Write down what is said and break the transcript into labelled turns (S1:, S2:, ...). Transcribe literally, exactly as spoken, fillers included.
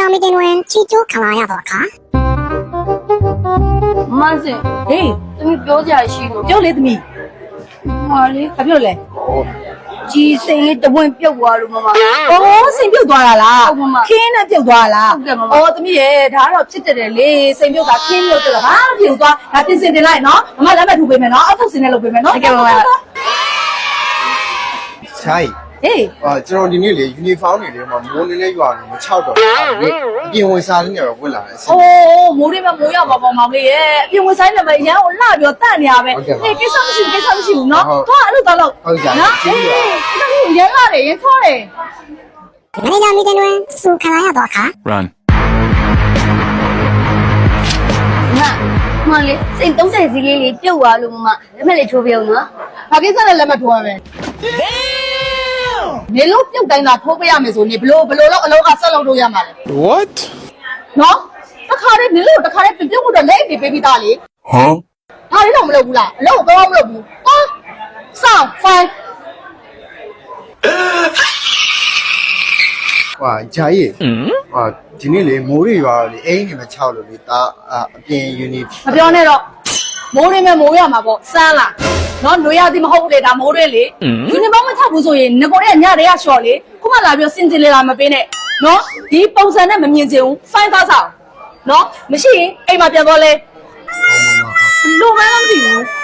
S1: ကြာမီတင်တွင်ချီကျိုးခံလာရသောအခါ
S2: မဆင်ဟေးသမီးပြောကြရှိလို့ပြောလေသမီးဟာလေဘာပြောလဲကြီးစိန်လေးတပွင့်ပြုတ်သွားလို့မမအော်စိန်ပြုတ်သွားတာလားခင်းနဲ့ပြုတ်သွားလားအော်သမီးရဲ့ဒါကတော့ဖြစ်တယ်လေစိန်ပြုတ်တာခင်းပြုတ်တယ်ဟာပြုတ်သွားဒါပြင်စင်တင်လိုက်နော်မမလက်မဲ့ထူပေးမယ်နော်အောက်ထုတ်စင်နဲ့လုပ်ပေးမယ်နော်တကယ်ပါပါ
S3: ใช่
S2: ဟေး
S3: အာကျွန်တော်ဒီနေ့လေယူနီဖောင်းနေလေမှာမိုးနေနေရွာနေမချောက်တော့ဘူးအပြင်ဝင်စားလေးနေတော့ဝင်လာတယ်
S2: အိုးမိုးတွေမှာမိုးရပါပေါ့မောင်လေးရဲ့အပြင်ဝင်ဆိုင်နေမှာရန်ကိုလှပြီးတော့တန့်နေရပဲဟေးကိစ္စမရှိဘူးကိစ္စမရှိဘူးနော်သွားအဲ့လိုသွားလို့နော်ဟေးဒီလိုရန်လာတယ်ရန်ခေါ်တယ်
S1: မနေ့ကမီတင်တွင်စူခံလာရသောအခါ
S4: Run
S2: မမလေးစိတ်သုံးဆယ်စီးလေးလေးပြုတ်သွားလို့မမလက်မဲ့လေးချိုးပြုံးနော်ဘာကိစ္စလဲလက်မဲ့ထိုးရမယ်နေလို့ပြုတ်တိုင်းသာထိုးပေးရမယ်ဆိုနေဘလို့ဘလို့တော့အလုံးကဆက်လုပ်လို့ရမှာလဲ
S4: What
S2: နော်တခါလေးနေလို့တခါလေးပြုတ်ဖို့တော့လက်အိတ်ပေးပြီးသားလေ
S4: Huh
S2: ဒါလေးတော့မလုပ်ဘူးလားအလုံးကိုတော့မလုပ်ဘူးဟာဆောင်းဖိုင်
S3: ဟာဂျာကြီးဟာဒီနေ့လေမိုးတွေရွာတော့လေအိမ်နေမချောက်လို့လေဒါအပြင်ယူနီ
S2: မပြောနဲ့တော့မိုးရင်းမဲ့မိုးရမှာပေါ့စမ်းလားနော်ຫນွေရသည်မဟုတ်ဘူးလေဒါမိုးရင်းလေယူနီဖောင်းမချဘူးဆိုရင်ငကိုတဲ့ညတွေကရှော့လေခုမှလာပြီးစင်စင်လေးလာမပေးနဲ့နော်ဒီပုံစံနဲ့မမြင်ချင်ဘူးဖိုင်သားဆောင်နော်မရှိရင်အိမ်မှာပြန်သွားလဲဘလို့မှမသိဘူး